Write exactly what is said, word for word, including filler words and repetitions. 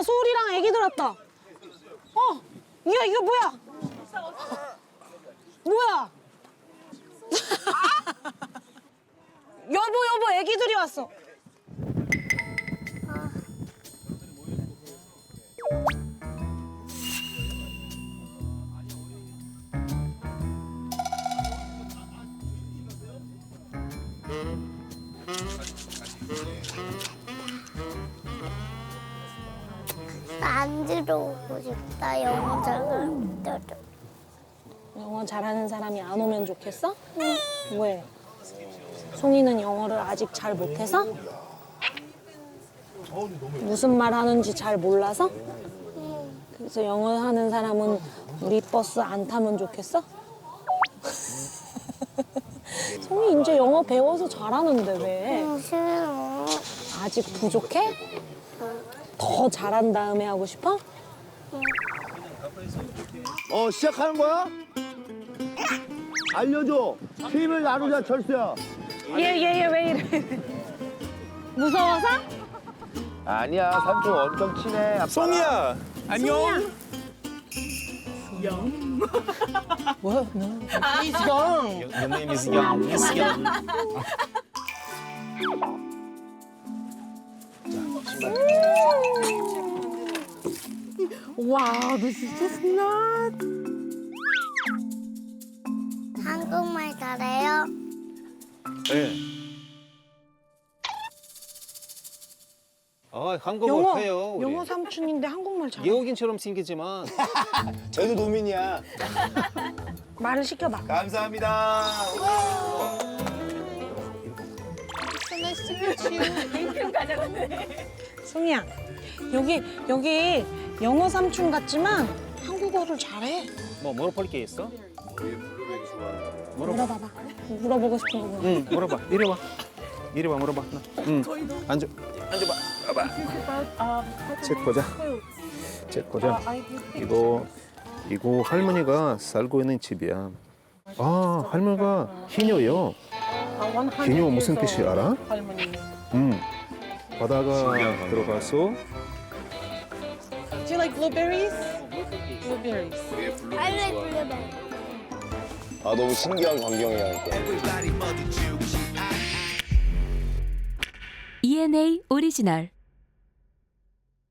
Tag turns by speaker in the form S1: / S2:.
S1: 봐, 소울이랑 애기들 왔다. 어, 이거 이거 뭐야? 뭐야? 여보 여보, 애기들이 왔어.
S2: 만지러 오고 싶다, 영어 잘하는
S1: 영어 잘하는 사람이 안 오면 좋겠어? 응. 왜? 송이는 영어를 아직 잘 못해서? 무슨 말 하는지 잘 몰라서? 그래서 영어 하는 사람은 우리 버스 안 타면 좋겠어? 송이 이제 영어 배워서 잘하는데 왜?
S2: 응, 싫어.
S1: 아직 부족해? 더 잘한 다음에 하고 싶어?
S3: 어, 시작하는 거야? 알려줘. 팀을 나누자, 철수야.
S1: 얘 얘 얘 왜 이래? 무서워서?
S3: 아니야, 삼촌 엄청 친해. 아빠.
S4: 송이야, 안녕.
S1: 뭐야?
S4: He's young. Your name is Young. He's young.
S1: Wow, this is just nuts.
S2: 한국말 잘해요?
S4: 네. 아, 한국어
S1: 영어
S4: 해요. 우리.
S1: 영어 삼촌인데 한국말 잘해.
S4: 외국인처럼 생기지만
S3: 저도 도민이야.
S1: 말을 시켜봐.
S3: 감사합니다.
S1: 송이야, 여기 여기 영어 삼촌 같지만 한국어를 잘해.
S4: 뭐 물어볼 게 있어?
S1: 물어봐봐. 물어보고 싶은 거 물어봐.
S4: 응, 물어봐. 이리 와. 이리 와 물어봐. 응. 앉아. 앉아봐. 봐봐. 책 보자. 책 보자. 이거 이거 할머니가 살고 있는 집이야. 아, 할머니가 희녀요. 희녀 무슨 뜻이 알아? 응. 바다가 들어가서
S5: Do you like blueberries? Blueberries.
S2: 빨리 불러봐.
S3: 아, 너무 신기한 광경이야.
S6: 이엔에이 오리지널